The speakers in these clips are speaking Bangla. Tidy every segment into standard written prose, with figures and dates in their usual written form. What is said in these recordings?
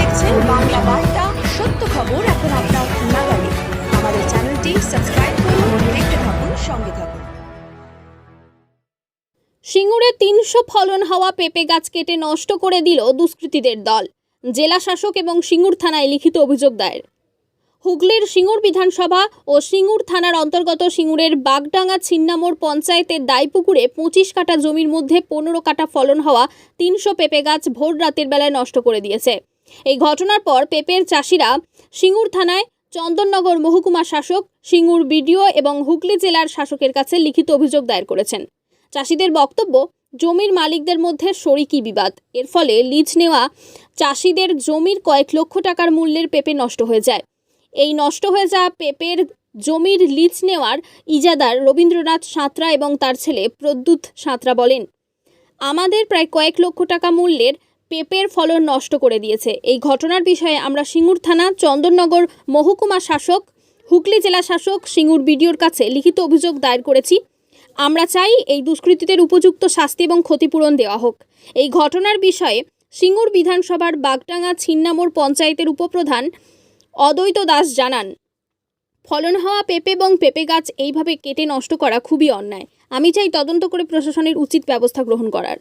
দেখছেন বাংলা বার্তা, সত্য খবর এখন আপনার নাগালে। আমাদের চ্যানেলটি সাবস্ক্রাইব করুন, দেখতে থাকুন, সঙ্গে থাকুন। সিঙ্গুরে ৩০০ ফলন হওয়া পেঁপে গাছ কেটে নষ্ট করে দিল দুষ্কৃতীদের দল। জেলা শাসক এবং সিঙ্গুর থানায় লিখিত অভিযোগ দায়ের। হুগলির সিঙ্গুর বিধানসভা ও সিঙ্গুর থানার অন্তর্গত সিঙ্গুরের বাগডাঙ্গা ছিন্নামোড় পঞ্চায়েতের দাইপুকুরে ২৫ কাঠা জমির মধ্যে ১৫ কাঠা ফলন হওয়া ৩০০ পেঁপে গাছ ভোর রাতের বেলায় নষ্ট করে দিয়েছে। এই ঘটনার পর পেঁপের চাষিরা সিঙ্গুর থানায় চন্দননগর মহকুমা শাসক, সিঙ্গুর বিডিও এবং হুগলি জেলার শাসকের কাছে লিখিত অভিযোগ দায়ের করেছেন। চাষিদের বক্তব্য, জমির মালিকদের মধ্যে শরিকি বিবাদ। এর ফলে লিজ নেওয়া চাষিদের জমির কয়েক লক্ষ টাকার মূল্যের পেঁপে নষ্ট হয়ে যায়। এই নষ্ট হয়ে যাওয়া পেঁপের জমির লিজ নেওয়ার ইজাদার রবীন্দ্রনাথ সাঁতরা এবং তার ছেলে প্রদ্যুৎ সাঁতরা বলেন, আমাদের প্রায় কয়েক লক্ষ টাকা মূল্যের পেঁপের ফলন নষ্ট করে দিয়েছে। এই ঘটনার বিষয়ে আমরা সিঙ্গুর থানা, চন্দননগর মহকুমা শাসক, হুগলি জেলা শাসক, সিঙ্গুর বিডিওর কাছে লিখিত অভিযোগ দায়ের করেছি। আমরা চাই এই দুষ্কৃতীদের উপযুক্ত শাস্তি এবং ক্ষতিপূরণ দেওয়া হোক। এই ঘটনার বিষয়ে সিঙ্গুর বিধানসভার বাগডাঙ্গা ছিন্নামোড় পঞ্চায়েতের উপপ্রধান অদ্বৈত দাস জানান, ফলন হওয়া পেঁপে এবং পেঁপে গাছ এইভাবে কেটে নষ্ট করা খুবই অন্যায়। আমি চাই তদন্ত করে প্রশাসনের উচিত ব্যবস্থা গ্রহণ করার।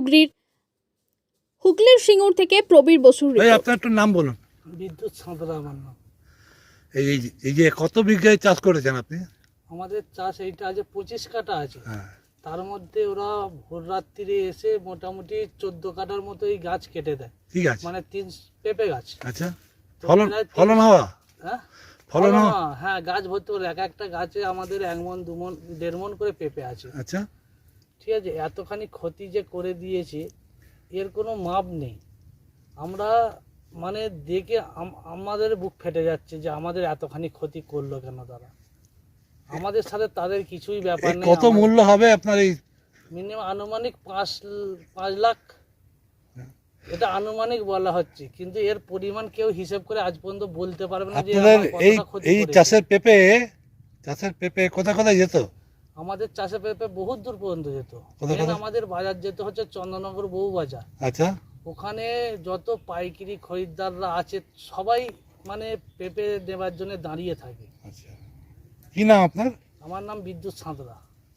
হুগলির সিঙ্গুর থেকে প্রবীর বসুর রিপোর্ট। আপনার একটু নাম বলুন। বিদ্যুৎ সাঁতরা আমার নাম। এই যে কত বিঘায় চাষ করেছেন আপনি? আমাদের চাষ এইটা আছে 25 কাঠা আছে। হ্যাঁ। তার মধ্যে ওরা ভোর রাত্রিরে এসে মোটামুটি 14 কাঠার মতো এই গাছ কেটে দেয়। ঠিক আছে, মানে 3 পেঁপে গাছ। আচ্ছা, তো ফলন প্রায় ফলন হওয়া? হ্যাঁ, ফলন হওয়া? হ্যাঁ, গাছ ভর্তি করে এক একটা গাছে আমাদের 1 মণ 2 মণ 1.5 মণ করে পেঁপে আছে। আচ্ছা, ঠিক আছে, এতখানি ক্ষতি যে করে দিয়েছে এর কোনো মাপ নেই। আমরা মানে দেখে আমাদের বুক ফেটে যাচ্ছে যে আমাদের এতখানি ক্ষতি করলো কেন তারা। আমাদের সাথে তাদের কিছুই ব্যাপার নেই। কত মূল্য হবে আপনার এই? মিনিমাম আনুমানিক 5 লাখ, এটা আনুমানিক বলা হচ্ছে, কিন্তু এর পরিমাণ কেউ হিসেব করে আজ পর্যন্ত বলতে পারবে না যে আপনাদের আমার এই কতটা ক্ষতি এই করেছে। চাষের পেঁপে কোথায় যেত? আমাদের চাষে পেঁপে বহুত দূর পর্যন্ত যেত। কোথায়? আমাদের বাজার যেতে হচ্ছে চন্দননগর বউ বাজার। আচ্ছা, ওখানে যত পাইকারি খরিদ্দাররা আছে সবাই মানে পেঁপে নেবার জন্য দাঁড়িয়ে থাকে। আচ্ছা, কি নাম আপনার? আমার নাম বিদ্যুৎ সাঁতরা।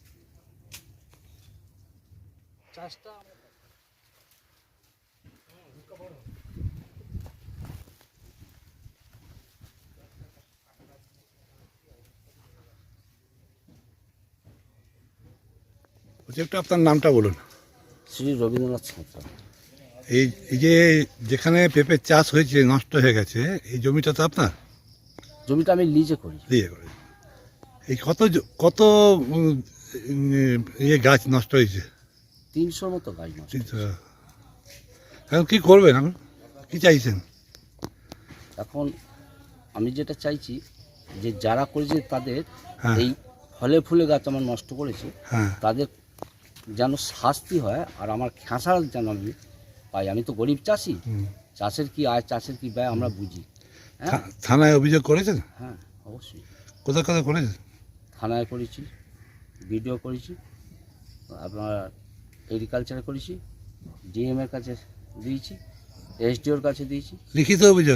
চাষটা একটু আপনার নামটা বলুন। শ্রী রবীন্দ্রনাথ সাঁতরা। এই যে যেখানে পেঁপে চাষ হয়েছে নষ্ট হয়ে গেছে, এই জমিটা তো আপনার? জমিটা আমি লিজে করি। দিয়ে করে এই কত গাছ নষ্ট হয়েছে? 300 মতো গাছ নষ্ট। এখন কি করবেন, এখন কি চাইছেন? এখন আমি যেটা চাইছি যে যারা করেছে তাদের হ্যাঁ। এই ফলে ফুলে গাছ আমার নষ্ট করেছে, হ্যাঁ, তাদের যেন শাস্তি হয় আর আমার খেসার যেন আমি পাই। আমি তো গরিব চাষি, চাষের কি আয়, চাষের কি ব্যয় আমরা বুঝি। হ্যাঁ, থানায় অভিযোগ করেছেন? হ্যাঁ, অবশ্যই কোথায় করেছেন? থানায় করেছি, ভিডিও করেছি, আপনার এগ্রিকালচারে করেছি, ডিএম এর কাছে দিয়েছি, এসডিওর কাছে দিয়েছি লিখিত অভিযোগ।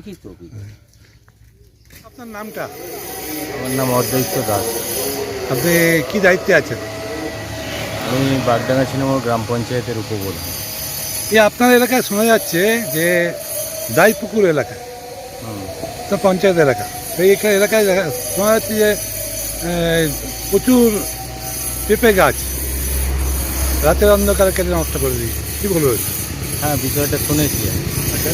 আপনার নামটা? আমার নাম অদ্বৈত দাস। আপনি কি দায়িত্বে আছেন? আমি বাগডাঙ্গা ছিন্নামোড় গ্রাম পঞ্চায়েতের উপপ্রধান। আপনার এলাকায় শোনা যাচ্ছে যে দাইপুকুর এলাকা তো পঞ্চায়েত এলাকা, সেই এলাকায় শোনা যাচ্ছে যে প্রচুর পেঁপে গাছ রাতের অন্ধকারে কেটে নষ্ট করে দিই, কী বলবো? হ্যাঁ, বিষয়টা শুনেছি। আচ্ছা,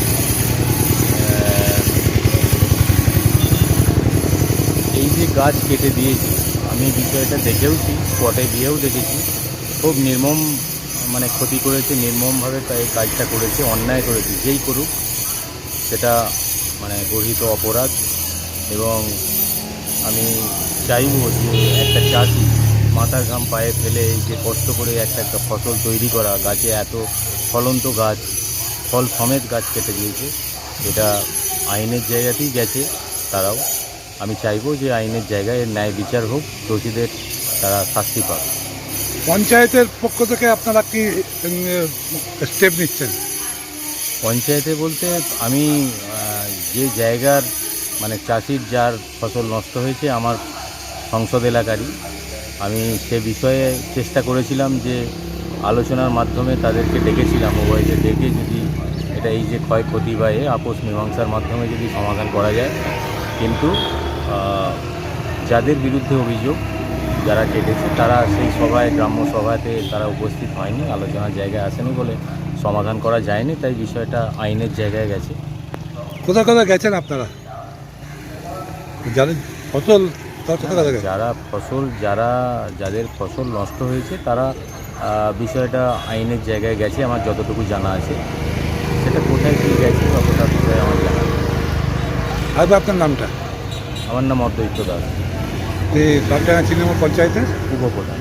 এই যে গাছ কেটে দিয়েছি, আমি বিষয়টা দেখেওছি, স্পটে গিয়েও দেখেছি। খুব নির্মম মানে ক্ষতি করেছে, নির্মমভাবে তাই কাজটা করেছে, অন্যায় করেছে। যেই করুক সেটা মানে গর্হিত অপরাধ। এবং আমি চাইব যে একটা চাষি মাথার ঘাম পায়ে ফেলে এই যে কষ্ট করে একটা ফসল তৈরি করা, গাছে এত ফলন্ত গাছ, ফল সমেত গাছ কেটে দিয়েছে, এটা আইনের জায়গাতেই গেছে তারাও। আমি চাইবো যে আইনের জায়গায় এর ন্যায় বিচার হোক, দোষীদের তারা শাস্তি পাক। পঞ্চায়েতের পক্ষ থেকে আপনারা কি স্টেপ নিচ্ছেন? পঞ্চায়েতে বলতে আমি যে জায়গার মানে চাষির যার ফসল নষ্ট হয়েছে আমার সংসদ এলাকারই, আমি সে বিষয়ে চেষ্টা করেছিলাম যে আলোচনার মাধ্যমে তাদেরকে ডেকেছিলাম, উভয়কে ডেকে যদি এটা এই যে ক্ষয়ক্ষতি বা আপোষ মীমাংসার মাধ্যমে যদি সমাধান করা যায়। কিন্তু যাদের বিরুদ্ধে অভিযোগ, যারা কেটেছে তারা সেই সভায়, গ্রাম্য সভাতে তারা উপস্থিত হয়নি, আলোচনার জায়গায় আসেনি বলে সমাধান করা যায়নি, তাই বিষয়টা আইনের জায়গায় গেছে। কোথায় কোথায় গেছেন আপনারা? যাদের ফসল কোথায় গেছে? যাদের ফসল নষ্ট হয়েছে তারা বিষয়টা আইনের জায়গায় গেছে, আমার যতটুকু জানা আছে। সেটা কোথায় কী গেছে অতটা বিষয়ে আমার জানা নেই। আর আপনার নামটা? আমার নাম অদ্বৈত দাস, এই বাগডাঙ্গা 3 নম্বর পঞ্চায়েতের উপপ্রধান।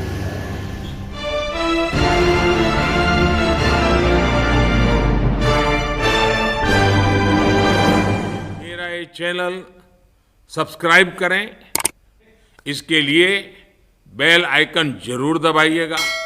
मेरा ये चैनल सब्सक्राइब करें, इसके लिए बेल आइकन जरूर दबाइएगा।